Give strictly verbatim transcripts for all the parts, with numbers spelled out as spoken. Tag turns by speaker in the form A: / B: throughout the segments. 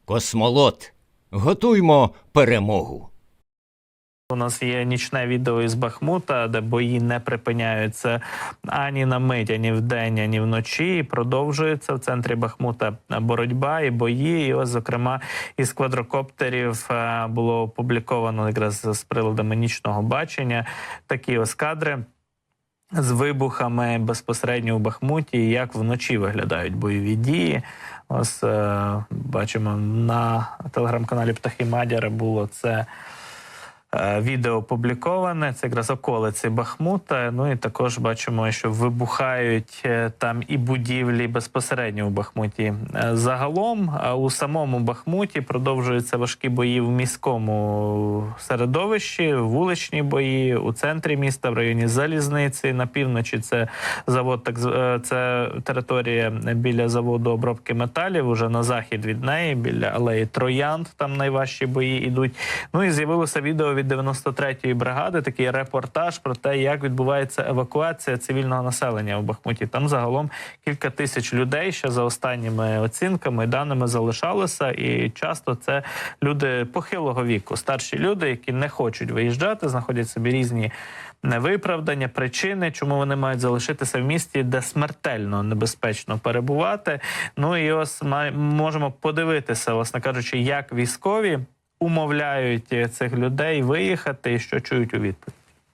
A: Космолот. Готуймо перемогу.
B: У нас є нічне відео із Бахмута, де бої не припиняються ані на мить, ані вдень, ані вночі. Продовжується в центрі Бахмута боротьба і бої. І ось, зокрема, із квадрокоптерів було опубліковано якраз з приладами нічного бачення такі ось кадри з вибухами безпосередньо у Бахмуті, і як вночі виглядають бойові дії. Ось е, бачимо на телеграм-каналі Птахи Мадяра було це відео опубліковане, це якраз околиці Бахмута. Ну і також бачимо, що вибухають там і будівлі безпосередньо у Бахмуті. Загалом у самому Бахмуті продовжуються важкі бої в міському середовищі, вуличні бої, у центрі міста, в районі Залізниці, на півночі це завод, так це територія біля заводу обробки металів, уже на захід від неї, біля алеї Троянд, там найважчі бої йдуть. Ну і з'явилося відео від дев'яносто третьої бригади, такий репортаж про те, як відбувається евакуація цивільного населення у Бахмуті. Там загалом кілька тисяч людей ще за останніми оцінками, даними залишалося, і часто це люди похилого віку, старші люди, які не хочуть виїжджати, знаходять собі різні невиправдання, причини, чому вони мають залишитися в місті, де смертельно небезпечно перебувати. Ну і ось ми можемо подивитися, власне кажучи, як військові умовляють цих людей виїхати і що чують у відповідь.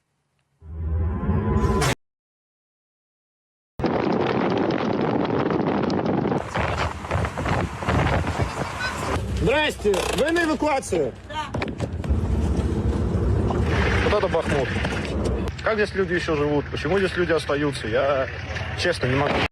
C: Здрасте, вы на эвакуацию?
D: Да.
C: Вот это Бахмут. Как здесь люди еще живут? Почему здесь люди остаются? Я честно не могу.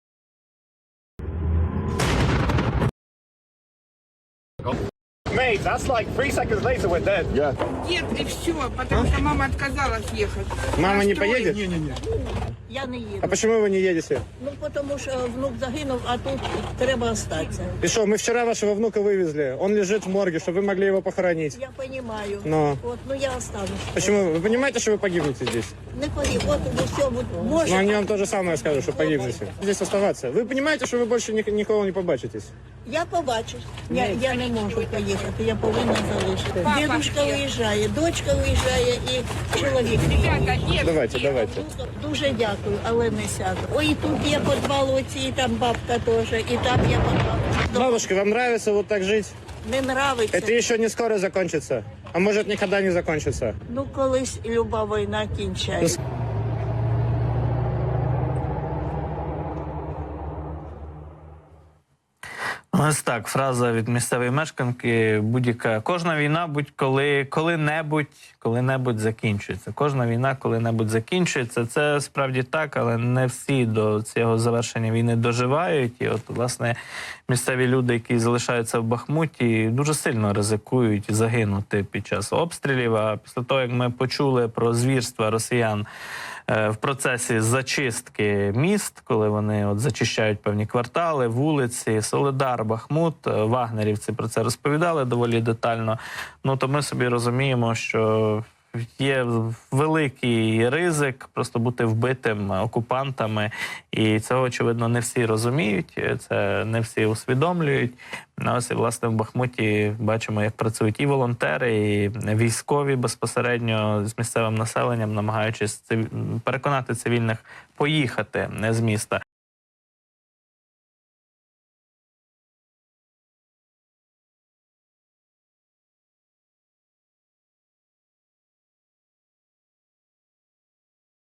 C: Mate, that's like three seconds later we're dead. Yeah.
D: Нет, и все, потому что мама отказалась ехать.
C: Мама не
D: Настрой.
C: поедет?
D: Не-не-не.
E: Я не
C: А
E: їду.
C: почему вы не едете?
E: Ну, тому що внук загинув, а тут треба остатися.
C: И что, мы вчера вашего внука вывезли. Он лежит в морге, чтобы вы могли его похоронить.
E: Я розумію.
C: Но
E: От, ну я останусь.
C: почему? Вы понимаете, что вы погибнете здесь?
E: Не погиб, от ну все, може.
C: Но они вам то же самое скажут, что погибнете. Здесь оставаться. Вы понимаете, что вы больше ник- никого не побачитесь?
E: Я побачу. Я, я не можу поїхати, я повинна залишити.
D: Папа,
E: Дідушка
D: ні.
E: виїжджає, дочка виїжджає і чоловік.
D: Ребята, нет.
C: Давайте, давайте.
E: Дуже дякую, але не сяду. Ой, і тут є підвал оці, і там бабка теж, і там є підвал.
C: Бабушка, вам нравится вот так жить?
E: Не нравиться.
C: Это еще не скоро закончится. А может, никогда не закончится.
E: Ну, колись люба війна кінчається.
B: Ось так, фраза від місцевої мешканки, будь-яка, кожна війна будь-коли, коли-небудь, коли-небудь закінчується. Кожна війна коли-небудь закінчується. Це справді так, але не всі до цього завершення війни доживають. І от, власне, місцеві люди, які залишаються в Бахмуті, дуже сильно ризикують загинути під час обстрілів. А після того, як ми почули про звірства росіян в процесі зачистки міст, коли вони от зачищають певні квартали, вулиці, Солидар, Бахмут, вагнерівці про це розповідали доволі детально, ну то ми собі розуміємо, що є великий ризик просто бути вбитим окупантами, і цього, очевидно, не всі розуміють, це не всі усвідомлюють. Ось, і, власне, в Бахмуті бачимо, як працюють і волонтери, і військові безпосередньо з місцевим населенням, намагаючись переконати цивільних поїхати з міста.